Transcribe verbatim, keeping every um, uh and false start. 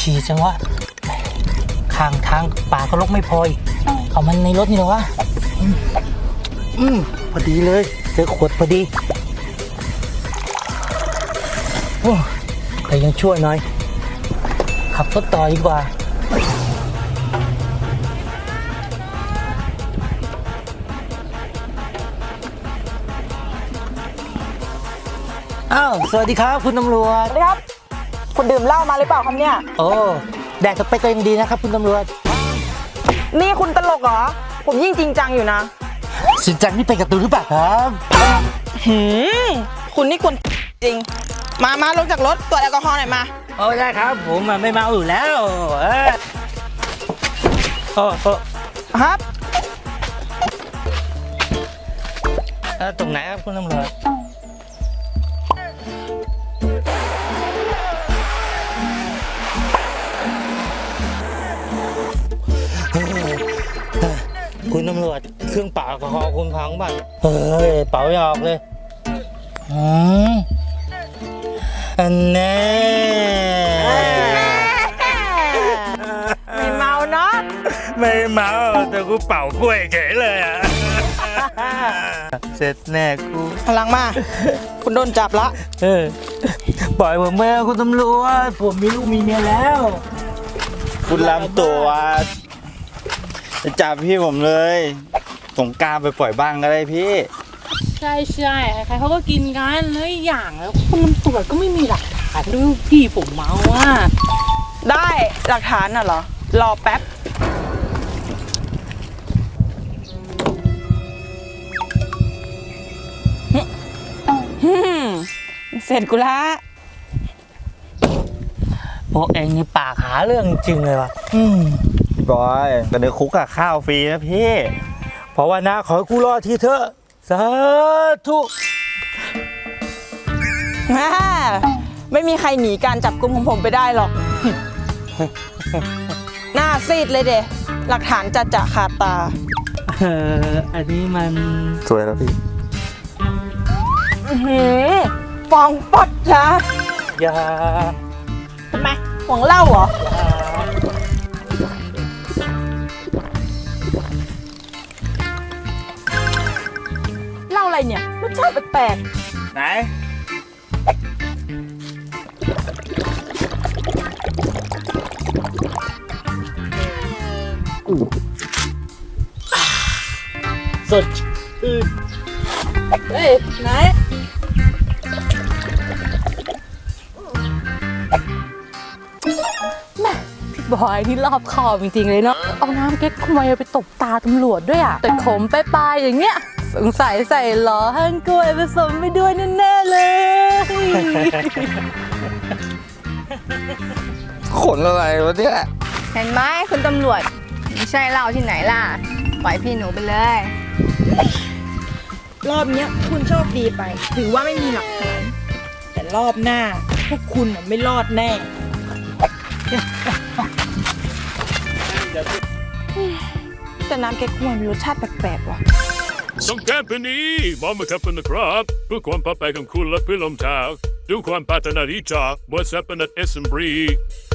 ฉี่จังวะข้างทางป่าก็รกไม่พออีกเอามันในรถนี่เหรอวะอืมอืมพอดีเลยเจอขวดพอดีโอ้แต่ยังช่วยหน่อยขับรถต่อดีกว่าอ้าวสวัสดีครับคุณตำรวจสวัสดีครับคุณดื่มเหล้ามาหรือเปล่าครับเนี่ยโอ้แดกสเปกก็ยังดีนะครับคุณตำรวจนี่คุณตลกเหรอผมยิ่งจริงจังอยู่นะสินจังนี่เป็นการ์ตูนหรือเปล่าครับหืมคุณนี่คุณจริงมามาลงจากรถตรวจแอลกอฮอล์หน่อยมาโอ้ได้ครับผมไม่เมาอยู่แล้วเออโอ้โอ้ครับเออตรงไหนครับคุณตำรวจคุณตำรวจเครื่องเป่าแอลกอฮอล์คุณพังบ้างเฮ้ยเป่าไม่ออกเลยอืมอันแน่ไม่เมาเนาะไม่เมาแต่กูเป่ากล้วยเฉยเลยอ่ะเสร็จแน่กูพลังมา คุณโดนจับละเออปล่อยผมแม่คุณตำรวจผมมีลูกมีเมียแล้วคุณลำตัวจะจับพี่ผมเลยสงกรานต์ไปปล่อยบ้างก็ได้พี่ใช่ใช่ใครๆเขาก็กินกันแล้วอีกอย่างแล้วคุณตำรวจก็ไม่มีหลักฐานด้วยพี่ผมเมาอ่ะได้หลักฐานน่ะเหรอรอแป๊บฮึ่มเสร็จกูละพวกเองนี่ปากหาเรื่องจริงเลยวะอืมพี่บอยแต่ในคุกอะข้าวฟรีนะพี่เพราะว่านะขอให้กูรอดทีเถอะสาธุฮ่าไม่มีใครหนีการจับกุมของผมไปได้หรอก หน้าซีดเลยเดะหลักฐานจะจะขาดตาเอออันนี้มันสวยแล้วพี่อื้อหือฟองฟอดนะยาทำไมหวงเหล้าเหรอ เหล้าอะไรเนี่ยรสชาติแปลกไหนสดชื่นๆเฮ้ยไหนบอยนี่รอบคอบจริงๆเลยเนาะเอาน้ำเก๊กควยไปตบตาตำรวจด้วยอ่ะแต่ขมปลายๆอย่างเงี้ยสงสัยใส่หล่อหั่นกล้วยผสมไปด้วยแน่ๆเลยขนอะไรวะเนี่ยเห็นไหมคุณตำรวจไม่ใช่เหล้าที่ไหนล่ะ ปล่อยพี่หนูไปเลยรอบเนี้ยคุณโชคดีไป ถือว่าไม่มีหลักฐาน แต่รอบหน้า พวกคุณน่ะไม่รอดแน่ แต่น้ำแก๊กฮวยมีรสชาติแปลกๆว่ะสงกรานต์ปีนี้มองมาทับกันนะครับเพื่อความปลอดภัยของคุณและเพื่อนร่วมทางดูความปรารถนาดีจากบริษัทเป็นเอสเอ็มบรี